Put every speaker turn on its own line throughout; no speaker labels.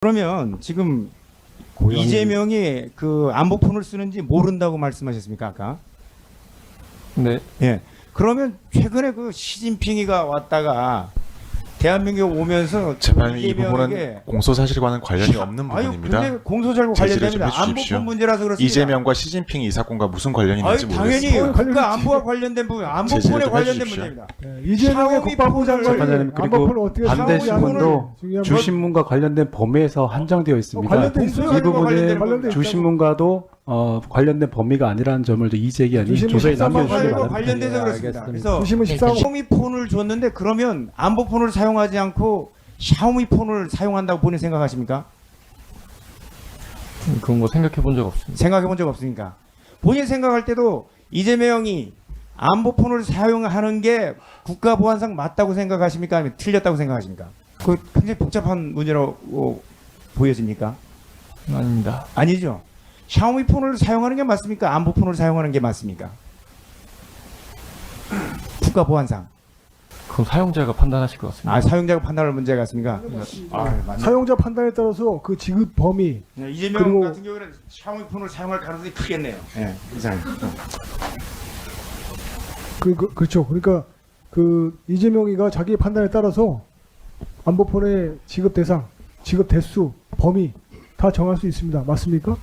그러면 지금 이재명이 그 안보폰을 쓰는지 모른다고 말씀하셨습니까 아까?
네.
예. 그러면 최근에 그 시진핑이가 왔다가 대한민국에 오면서
재판님 이
이재명에게
부분은 공소사실과는 관련이 없는 부분입니다.
아유, 공소사실과
제지를 좀
관련됩니다.
해주십시오.
안보폰 문제라서 그렇습니다.
이재명과 시진핑이 이 사건과 무슨 관련이 있는지
아유, 당연히
모르겠습니다.
국가 안보와 관련된 부분, 안보폰에
제지를 좀
관련된
해주십시오.
문제입니다.
이재명의
샤오미
국방부 장관이
재판장님, 그리고
안보폰을 어떻게
반대
사용하느냐는
신문도
중요한
주신문과 관련된 범위에서 한정되어 있습니다.
관련돼 있어요.
이 부분은
관련돼 있다고.
주신문과도 관련된 범위가 아니라는 점을 이재기한이
주신문
조서에
13만
남겨주시기
관련과
바랍니다.
관련돼서
예,
그렇습니다.
알겠습니다.
그래서
주심은 14호
샤오미폰을 줬는데 그러면 안보폰을 사용하지 않고 샤오미폰을 사용한다고 본인 생각하십니까?
그런 거 생각해 본 적 없습니다.
생각해 본 적 없으니까. 본인 생각할 때도 이재명이 안보폰을 사용하는 게 국가보안상 맞다고 생각하십니까? 아니면 틀렸다고 생각하십니까? 그 굉장히 복잡한 문제라고 보여집니까?
아닙니다.
아니죠. 샤오미폰을 사용하는 게 맞습니까? 안보폰을 사용하는 게 맞습니까? 국가보안상.
그건 사용자가 판단하실 것 같습니다.
아, 사용자가 판단할 문제 같습니까? 아, 맞네.
사용자 판단에 따라서 그 지급 범위
네, 이재명
그리고-
같은 경우에는 샤오미폰을 사용할 가능성이 크겠네요. 예, 이상.
그렇죠. 그러니까 그 이재명이가 자기의 판단에 따라서 안보폰의 지급 대상, 지급 대수, 범위 다 정할 수 있습니다. 맞습니까?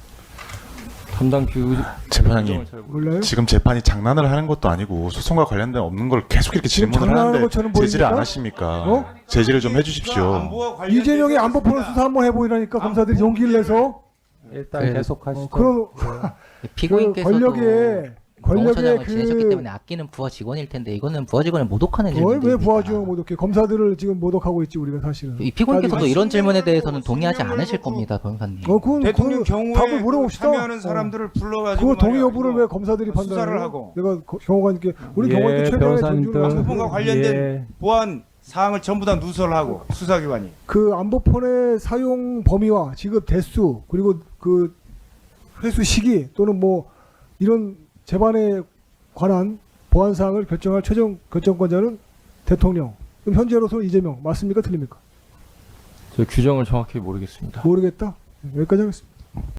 담당
재판장님,
몰라요?
지금 재판이 장난을 하는 것도 아니고 소송과 관련된 없는 걸 계속 이렇게
지금
질문을
장난하는
하는데
것처럼
제지를 안
보입니까?
하십니까?
어?
제지를 좀 해주십시오.
이재명이 안보폰을 수사 한번 해보이라니까 검사들이 용기를 내서
일단 계속하시죠.
그런
피고인께서도
권력의
공소장을 지내셨기
그
때문에 아끼는 부하 직원일 텐데 이거는 부하 직원을 모독하는
왜
질문입니다.
부하주어 모독해? 검사들을 지금 모독하고 있지 우리가 사실은.
이 피고인께서도
아니,
이런 질문에
신명을
대해서는
걸고,
동의하지
신명을
않으실
걸고.
겁니다, 변호사님.
그건
대통령
그
경우에
답을 물어봅시다.
참여하는 사람들을 불러가지고
그거 동의
말이야,
여부를
이거
왜 검사들이
수사를
판단을
하고.
내가 경호관께 우리 경호관께 최근에
변호사님들.
존중을
안보폰과
하고
관련된 보안 사항을 전부 다 누설하고 수사기관이.
그 안보폰의 사용 범위와 지급 대수 그리고 그 회수 시기 또는 뭐 이런 재반에 관한 보안 사항을 결정할 최종 결정권자는 대통령. 그럼 현재로서 이재명 맞습니까? 틀립니까?
저 규정을 정확히 모르겠습니다.
모르겠다. 여기까지 하겠습니다.